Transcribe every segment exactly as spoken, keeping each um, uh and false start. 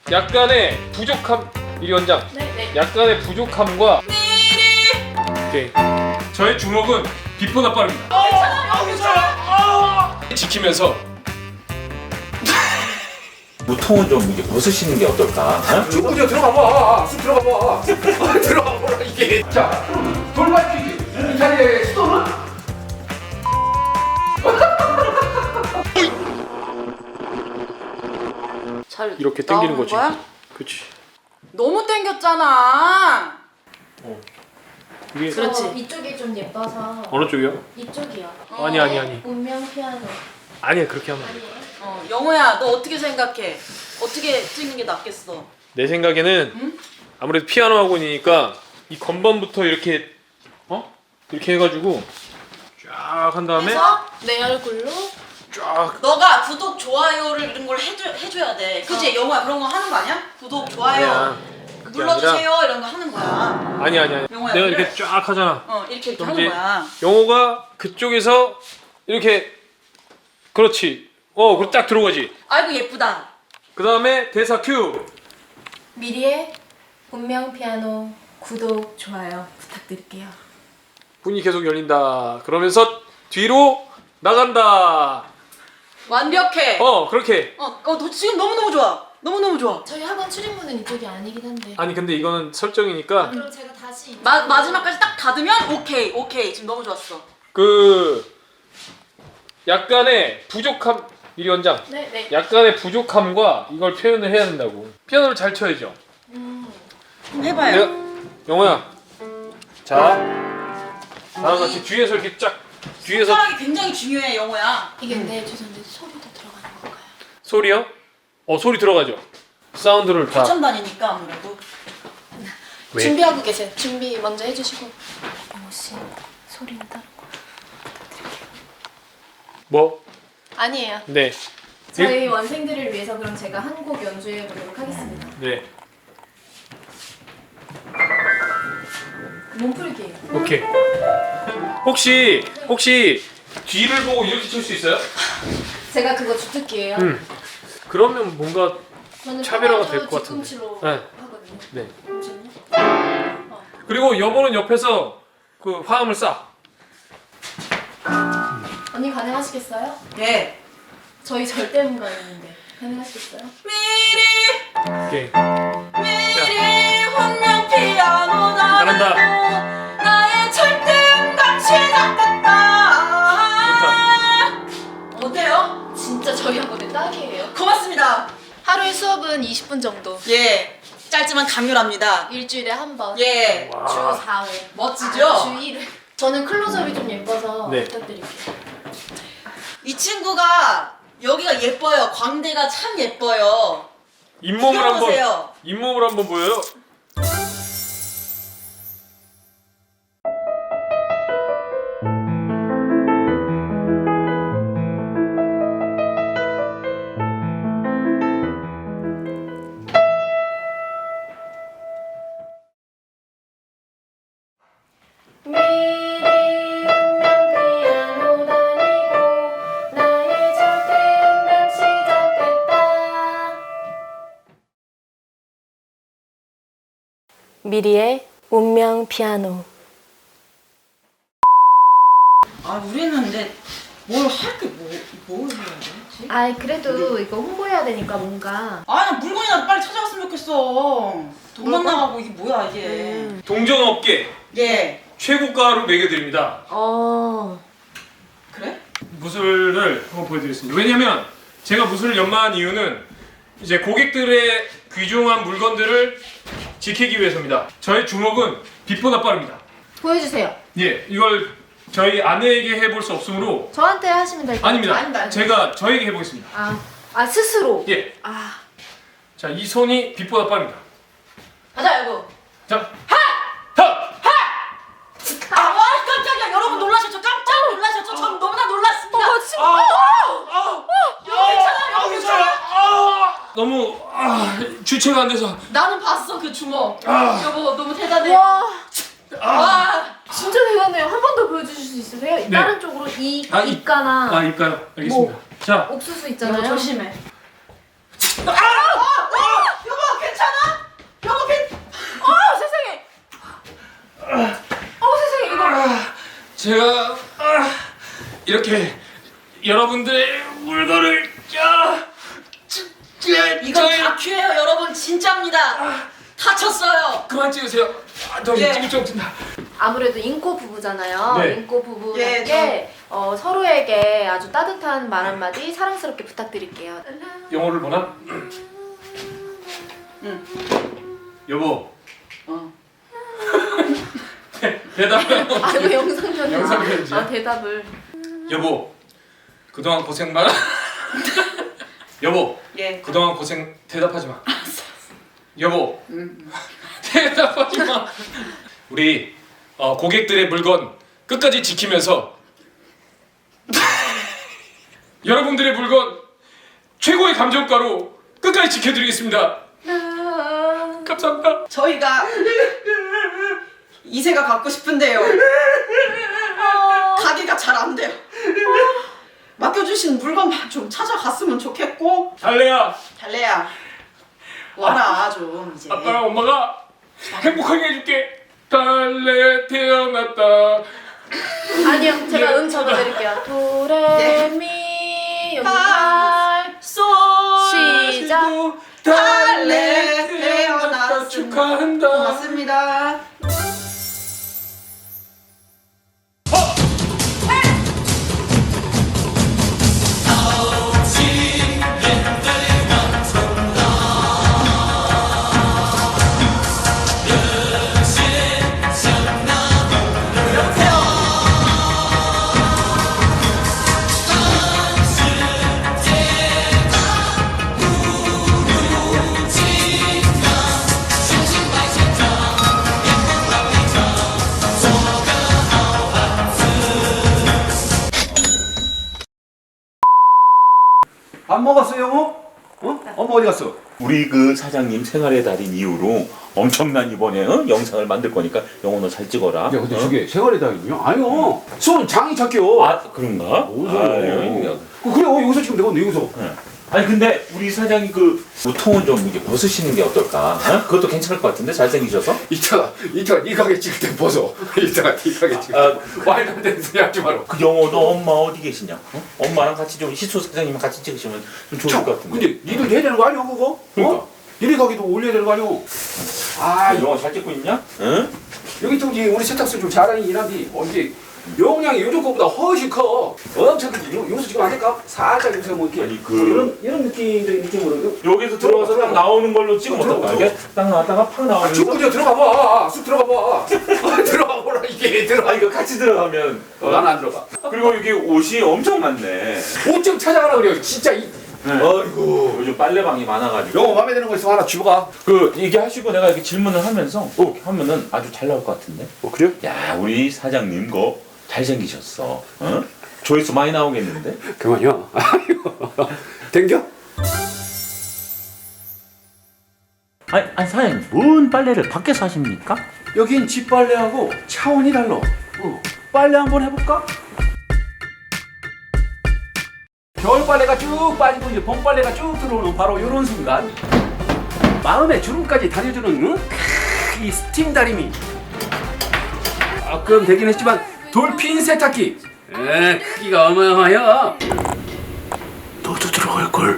약간의 부족함, 이리 원장. 네네. 약간의 부족함과 오케이. 저의 주먹은 비보다 빠릅니다. 지키면서 무통은 좀 이게 벗으시는 게 어떨까? 어? 축구려 들어가봐. 쑥 들어가봐. 들어가봐 이게. 자, 돌발 퀴즈. 이 자리의 수도는? 잘 이렇게 당기는 나오는 거지. 거야? 그렇지. 너무 당겼잖아. 이게 그렇지. 어, 이쪽이 좀 예뻐서 어느 쪽이요? 이쪽이요. 아니 아니 아니. 운명 피아노. 아니야 그렇게 하면 안 돼. 아니에요? 어, 영호야, 너 어떻게 생각해? 어떻게 찍는 게 낫겠어? 내 생각에는 응? 아무래도 피아노 학원이니까 이 건반부터 이렇게 어? 이렇게 해가지고 쫙 한 다음에 해서 내 얼굴로 쫙 너가 구독, 좋아요를 이런 걸 해줘, 해줘야 돼. 그치? 영호야, 그런 거 하는 거 아니야? 구독, 좋아요 아니야. 그게 눌러주세요 이런 거 하는 거야. 아니 아니 아니. 영호야, 내가 그래. 이렇게 쫙 하잖아. 어, 이렇게 이렇게 그럼 하는 이제 거야. 영호가 그쪽에서 이렇게 그렇지. 어, 그딱 들어가지. 아이고 예쁘다. 그 다음에 대사 큐. 미리의 운명 피아노 구독 좋아요 부탁드릴게요. 문이 계속 열린다. 그러면서 뒤로 나간다. 완벽해. 어, 어, 그렇게. 어, 너 지금 너무 너무 좋아. 너무 너무 좋아. 저희 학원 출입문은 이쪽이 아니긴 한데. 아니 근데 이거는 설정이니까 그럼 제가 다시 마, 마지막까지 딱 닫으면 오케이, 오케이. 지금 너무 좋았어. 그 약간의 부족함, 이리 원장. 네네. 약간의 부족함과 이걸 표현을 해야 된다고. 피아노를 잘 쳐야죠. 음. 좀 해봐요. 내가 영호야. 자, 나랑 같이 뒤에서 이렇게 쫙 뒤에서 손가락이 굉장히 중요해, 영호야. 이게 근데 죄송한데 소리도 들어가는 건가요? 소리요? 어, 소리 들어가죠. 사운드를 다. 처음 다니니까 아무래도. 왜? 준비하고 계세요. 준비 먼저 해주시고. 영호 씨 소리는 다른 거 부탁드릴게요. 뭐? 아니에요. 네. 저희 원생들을 위해서 그럼 제가 한 곡 연주해 보도록 하겠습니다. 네. 몸풀기예요. 오케이. 혹시 혹시 뒤를 보고 이렇게 칠 수 있어요? 제가 그거 주특기예요. 음. 그러면 뭔가 저는 차별화가 평화도 될 것 같은데. 뒤꿈치로 네. 하거든요. 네. 잠시만요. 그리고 여보는 옆에서 그 화음을 쏴. 언니 가능하시겠어요? 예. 저희 절대 음가 있는데 가능하시겠어요? 미리 오케이. 미리 운명 피아노다. 잘한다. 나의 절대음감 시작됐다. 어때요? 진짜 저희 학원의 딱이에요. 고맙습니다. 하루에 수업은 이십 분 정도. 예. 짧지만 강렬합니다. 일주일에 한 번. 예. 와. 주 사 회. 멋지죠? 아, 주 일 회. 저는 클로즈업이 좀 예뻐서 네. 부탁드릴게요. 이 친구가 여기가 예뻐요. 광대가 참 예뻐요. 잇몸을 한번 보세요. 잇몸을 한번 보여요. 미리 피아노 다니고 나의 절대음감 시작됐다. 미리의 운명 피아노. 아 우리는 근데 뭘 할 게 뭐, 뭘 해야 되지? 아 그래도 이거 홍보해야 되니까 뭔가. 아니 물건이나 빨리 찾아갔으면 좋겠어. 돈만 나가고 이게 뭐야 이게. 음. 동전업계 예. 최고가로 매겨드립니다. 어. 그래? 무술을 한번 보여드리겠습니다. 왜냐면 제가 무술을 연마한 이유는 이제 고객들의 귀중한 물건들을 지키기 위해서입니다. 저의 주먹은 빛보다 빠릅니다. 보여주세요. 예, 이걸 저희 아내에게 해볼 수 없으므로 저한테 하시면 될 것 같아요. 아닙니다. 아닙니다. 제가 저에게 해보겠습니다. 아, 아 스스로. 예, 아. 자, 이 손이 빛보다 빠릅니다. 가자 여보. 자, 하! 하! 아 와, 깜짝이야. 여러분 놀라셨죠? 깜짝 놀라셨죠? 전 너무나 놀랐습니다. 어, 진짜. 괜찮아요. 괜찮아요. 너무 아, 주체가 안 돼서 나는 봤어 그 주먹. 아. 여보 너무 대단해. 와. 와. 진짜 대단해요. 한 번 더 보여주실 수 있으세요? 다른 쪽으로 이 아, 이- 입가나 아, 입가요. 알겠습니다. 자, 옥수수 여보 있잖아요. 조심해. 아! 아! 아! 여보 이렇게 여러분들의 물건을 야, 이건 다큐예요, 여러분. 진짜입니다. 다쳤어요. 그만 찍으세요. 아, 너 예. 찍을 줄 없다. 아무래도 인꼬 부부잖아요. 네. 인꼬 부부에게 예, 어, 서로에게 아주 따뜻한 말 한마디 사랑스럽게 부탁드릴게요. 영어를 보나? 응. 여보. 어. 대답을. 아 이거 영상 편지. 영상 편지야? 아 대답을. 여보. 그동안 고생 많아. 여보. 예. 그동안 고생 대답하지 마. 여보. 음. 대답하지 마. 우리 어, 고객들의 물건 끝까지 지키면서 여러분들의 물건 최고의 감정가로 끝까지 지켜드리겠습니다. 감사합니다. 저희가 이세가 갖고 싶은데요. 가기가 잘 안 돼요. 맡겨주신 물건만 좀 찾아갔으면 좋겠고. 달래야, 달래야 와라 좀 이제. 아빠랑 엄마가 행복하게 해줄게. 달래 태어났다. 아니요 제가 음 적어드릴게요. 도레미 여기 솔 시작. 달래 태어났습니다. 축하한다. 고맙습니다. 밥 먹었어 영호? 어? 엄마 어디 갔어? 우리 그 사장님 생활의 달인 이후로 엄청난 이번에 어? 영상을 만들 거니까 영호 너 잘 찍어라. 야 근데 어? 저게 세월의 달인이요? 아니요 손 장이 착해요. 아 그런가? 뭔 아유, 소리야? 그 그래 어, 여기서 찍으면 되거든 여기서. 예. 아니 근데 우리 사장님 그 보통은 좀 이게 벗으시는 게 어떨까? 어? 그것도 괜찮을 것 같은데 잘생기셔서. 이따가 이따가 네 가게 찍을 때 벗어. 이따가 네 가게 찍을 때. 아, 말도 안 되는 소리 하지 마라. 그 영호도 엄마 어디 계시냐? 어? 엄마랑 같이 좀 시소 사장님 같이 찍으시면 좀 좋을 참, 것 같은데. 근데 니들 해야 되는 거 아니야 그거? 그러니까. 어? 니네 가게도 올려야 되는 거 아니야? 아 영호 잘 찍고 있냐? 응? 여기 또 이제 우리 세탁소 좀 잘하긴 한데 어 이게 용량이 요즘 거보다 훨씬 커. 엄청 크지. 요- 여기서 지금 안 될까? 살짝 여기서 뭐 이렇게 아니, 그- 이런 이런 느낌적인 느낌으로. 여기서 들어가서 딱 나오는 걸로 찍으면 들어가, 어떨까? 들어가. 이게 딱 나왔다가 팍 아, 나오면서. 축구장 들어가 봐. 쑥 들어가 봐. 들어가 보라 이게 들어가. 아 이거 같이 들어가면. 어, 나는 안 들어가. 그리고 이게 옷이 엄청 많네. 옷 좀 찾아가라 그래요. 진짜 이. 네. 어이구 요즘 빨래방이 많아가지고. 영어 마음에 드는 거 있으면 하나 주가. 그 얘기하시고 내가 이렇게 질문을 하면서 이렇게 하면은 아주 잘 나올 것 같은데. 어 그래요? 야 우리 사장님 거 잘생기셨어. 어? 조회수 많이 나오겠는데? 그만요. 아이고. 댕겨? 아니, 아니 사장님 뭔 빨래를 밖에서 하십니까? 여긴 집 빨래하고 차원이 달라. 어. 빨래 한번 해볼까? 겨울 빨래가 쭉 빠지고 이제 봄 빨래가 쭉 들어오는 바로 이런 순간 마음의 주름까지 다려주는 응? 크, 이 스팀 다리미. 가끔 되긴 했지만 돌핀 세탁기. 에 크기가 어마어마해요. 너도 들어갈 걸.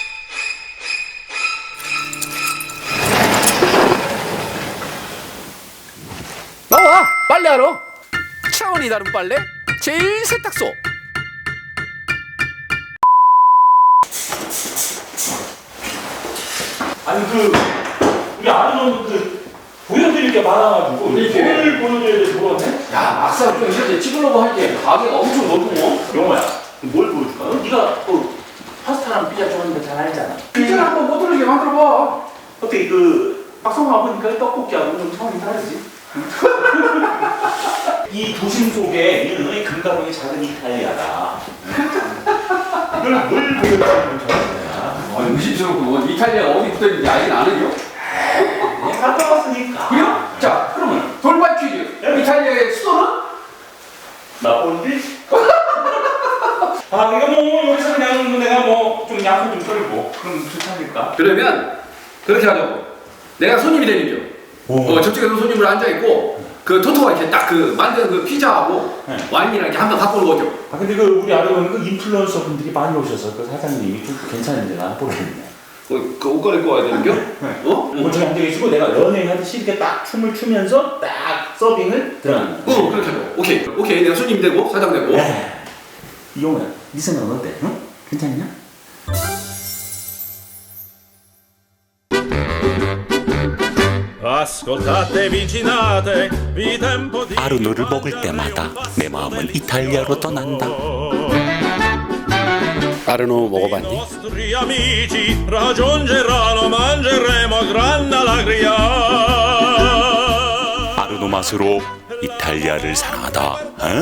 나와 빨래하러. 차원이 다른 빨래 제일 세탁소. 아니 그 우리 아는 그 보여드릴 게 많아가지고 이렇게. 뭘 보여드려야 될지 모르겠네. 야 막상 좀 이렇게 찍으려고 할게 가게가 엄청 넓어. 영호야 뭘 보여줄까? 어? 네가 그 파스타랑 피자 좋아하는 거 잘 알잖아. 피자를 한번 못 들리게 만들어봐. 어떻게 그 막상 와보니까 떡볶이하고 좀 차원이 다르지? 이 도심 속에 있는 금가롱이 작은 이탈리아다. 이걸 뭘 보여주는 거야? 아, 의심스럽고 뭐 이탈리아 어디 붙어있는지 알긴 아는요? 갔다 왔으니까. 그래요? 자 그러면 돌발 퀴즈. 이탈리아의 수도는? 나쁜데? 아 이거 뭐 여기서 그냥 뭐 내가 뭐 좀 약을 좀 떨고 그럼 좋지 않을까? 그러면 그렇게 하자고. 내가 손님이 되는 겨. 오. 어, 저쪽에서 손님으로 앉아 있고 그 토토가 이렇게 딱 그 만든 그 피자하고 네. 와인이랑 이렇게 한 번 갖고 오는 거죠. 아 근데 그 우리 알아보니까 그 인플루언서 분들이 많이 오셔서 그 사장님이 좀 괜찮은데 나 모르겠네. 그, 그 옷 갈아입고 와야 되는 겨? 어? 응. 거기 앉아 계시고 내가 연예인하듯이 이렇게 딱 춤을 추면서 딱 서빙을 들어가는 거야. 어, 그렇게 하죠. 오케이. 오케이. 내가 손님 되고 사장 되고. 이용호야, 네 생각은 어때? 응? 괜찮냐? Ascoltate vicinate, vi tempo di 아르노를 먹을 때마다 내 마음은 이탈리아로 떠난다. 아르노 먹어봤니? I nostri amici raggiungeranno, mangeremo gran allegria. 아르노 맛으로 이탈리아를 사랑하다. 어?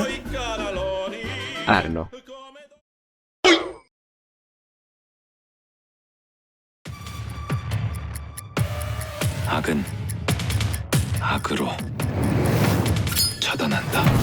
아르노. 악은 악으로 처단한다.